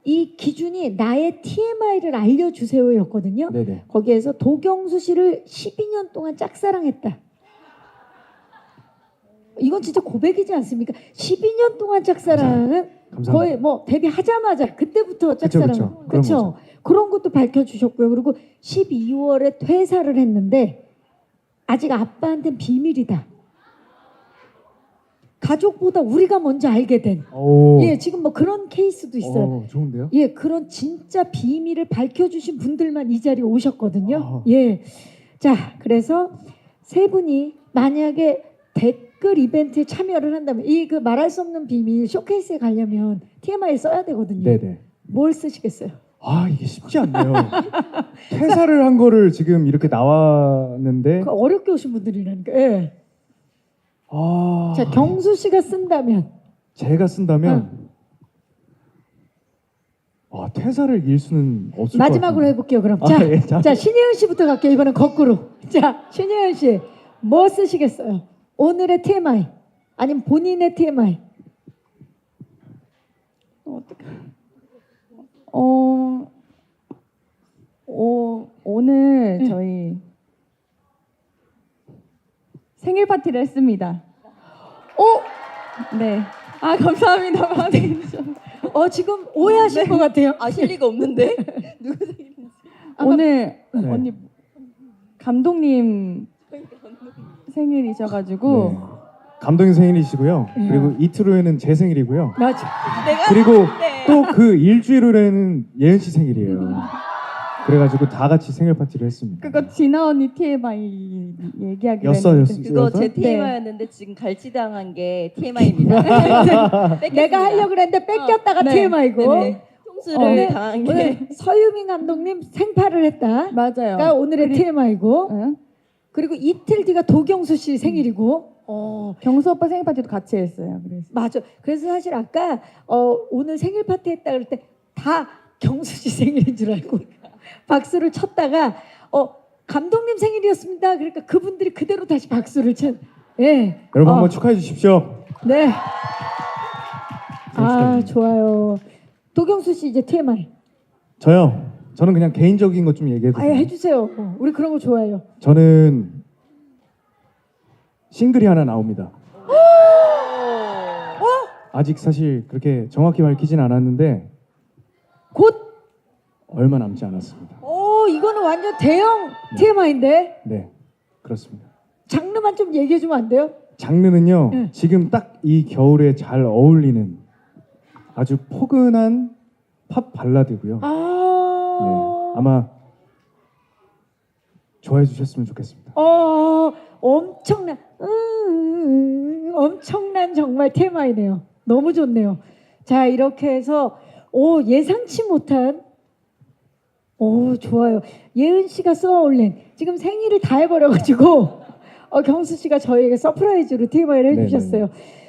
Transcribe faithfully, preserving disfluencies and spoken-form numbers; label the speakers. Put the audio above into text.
Speaker 1: 이 기준이 나의 티엠아이를 알려주세요였거든요.
Speaker 2: 네네.
Speaker 1: 거기에서 도경수 씨를 십이 년 동안 짝사랑했다. 이건 진짜 고백이지 않습니까? 십이 년 동안 짝사랑은
Speaker 2: 감사합니다.
Speaker 1: 거의 뭐 데뷔하자마자 그때부터 짝사랑.
Speaker 2: 그쵸, 그쵸. 그런
Speaker 1: 그렇죠.
Speaker 2: 거죠.
Speaker 1: 그런 것도 밝혀주셨고요. 그리고 십이월에 퇴사를 했는데 아직 아빠한테는 비밀이다. 가족보다 우리가 먼저 알게 된.
Speaker 2: 오,
Speaker 1: 예, 지금 뭐 그런 케이스도 있어요.
Speaker 2: 오, 좋은데요?
Speaker 1: 예, 그런 진짜 비밀을 밝혀주신 분들만 이 자리에 오셨거든요.
Speaker 2: 아.
Speaker 1: 예. 자, 그래서 세 분이 만약에 댓글 이벤트에 참여를 한다면 이 그 말할 수 없는 비밀 쇼케이스에 가려면 티엠아이를 써야 되거든요.
Speaker 2: 네네.
Speaker 1: 뭘 쓰시겠어요?
Speaker 2: 아 이게 쉽지 않네요. 퇴사를 한 거를 지금 이렇게 나왔는데
Speaker 1: 그 어렵게 오신 분들이라니까. 예.
Speaker 2: 아
Speaker 1: 자, 경수 씨가 쓴다면
Speaker 2: 제가 쓴다면 아 퇴사를 일 수는 없을 것
Speaker 1: 마지막으로
Speaker 2: 같아요.
Speaker 1: 해볼게요. 그럼
Speaker 2: 아,
Speaker 1: 자,
Speaker 2: 예, 자.
Speaker 1: 자 신예은 씨부터 갈게요. 이번엔 거꾸로. 자, 신예은 씨 뭐 쓰시겠어요? 오늘의 티엠아이 아니면 본인의 티엠아이.
Speaker 3: 어, 오, 오늘
Speaker 1: 네.
Speaker 3: 저희 생일 파티를 했습니다.
Speaker 1: 어?
Speaker 3: 네. 아 감사합니다. 많이 해주셔서.
Speaker 1: 어 지금 오해하신
Speaker 3: 네.
Speaker 1: 것 같아요.
Speaker 4: 아실 리가 없는데 누구 생일인지.
Speaker 3: 오늘
Speaker 2: 네.
Speaker 3: 언니 감독님 생일이셔가지고
Speaker 2: 네. 감독님 생일이시고요.
Speaker 1: 예.
Speaker 2: 그리고 이틀 후에는 제 생일이고요.
Speaker 1: 맞아.
Speaker 4: 내가
Speaker 2: 그리고
Speaker 4: 네.
Speaker 2: 또 그 일주일 후에는 예은 씨 생일이에요. 그래가지고 다 같이 생일 파티를 했습니다.
Speaker 3: 그거 진아 언니 티엠아이 얘기하기로
Speaker 2: 였어요,
Speaker 3: 했는데
Speaker 2: 였어요.
Speaker 4: 그거
Speaker 2: 여섯?
Speaker 4: 제
Speaker 3: 네.
Speaker 4: 티엠아이였는데 지금 갈치당한 게 티엠아이입니다.
Speaker 1: 내가 하려고 그랬는데 뺏겼다가
Speaker 3: 네.
Speaker 1: 티엠아이고.
Speaker 4: 네네. 통수를
Speaker 1: 오늘,
Speaker 4: 당한 게
Speaker 1: 오늘 서유민 감독님 생파를 했다.
Speaker 3: 맞아요.
Speaker 1: 그러니까 오늘의
Speaker 3: 그리-
Speaker 1: 티엠아이고.
Speaker 3: 응?
Speaker 1: 그리고 이틀 뒤가 도경수 씨 생일이고. 어
Speaker 3: 경수 오빠 생일 파티도 같이 했어요. 그래서
Speaker 1: 맞아. 그래서 사실 아까 어, 오늘 생일 파티 했다 그럴 때 다 경수 씨 생일인 줄 알고 박수를 쳤다가 어 감독님 생일이었습니다. 그러니까 그분들이 그대로 다시 박수를 친. 예.
Speaker 2: 여러분
Speaker 1: 어,
Speaker 2: 한번 축하해 주십시오.
Speaker 1: 네. 아 좋아요. 도경수 씨 이제 티엠아이.
Speaker 2: 저요. 저는 그냥 개인적인 것 좀 얘기해도
Speaker 1: 아예
Speaker 2: 돼요?
Speaker 1: 해주세요. 어, 우리 그런 거 좋아해요.
Speaker 2: 저는 싱글이 하나 나옵니다. 아직 사실 그렇게 정확히 밝히진 않았는데
Speaker 1: 곧.
Speaker 2: 얼마 남지 않았습니다.
Speaker 1: 오 이거는 완전 대형 티엠아이인데
Speaker 2: 네, 그렇습니다.
Speaker 1: 장르만 좀 얘기해 주면 안 돼요?
Speaker 2: 장르는요.
Speaker 1: 네.
Speaker 2: 지금 딱 이 겨울에 잘 어울리는 아주 포근한 팝 발라드고요.
Speaker 1: 아.
Speaker 2: 네, 아마 좋아해 주셨으면 좋겠습니다.
Speaker 1: 어 엄청난 음, 엄청난 정말 테마이네요. 너무 좋네요. 자 이렇게 해서 오 예상치 못한 오 좋아요. 예은 씨가 쏘아올린 지금 생일을 다 해버려가지고 어, 경수 씨가 저희에게 서프라이즈로 티엠아이를 해주셨어요.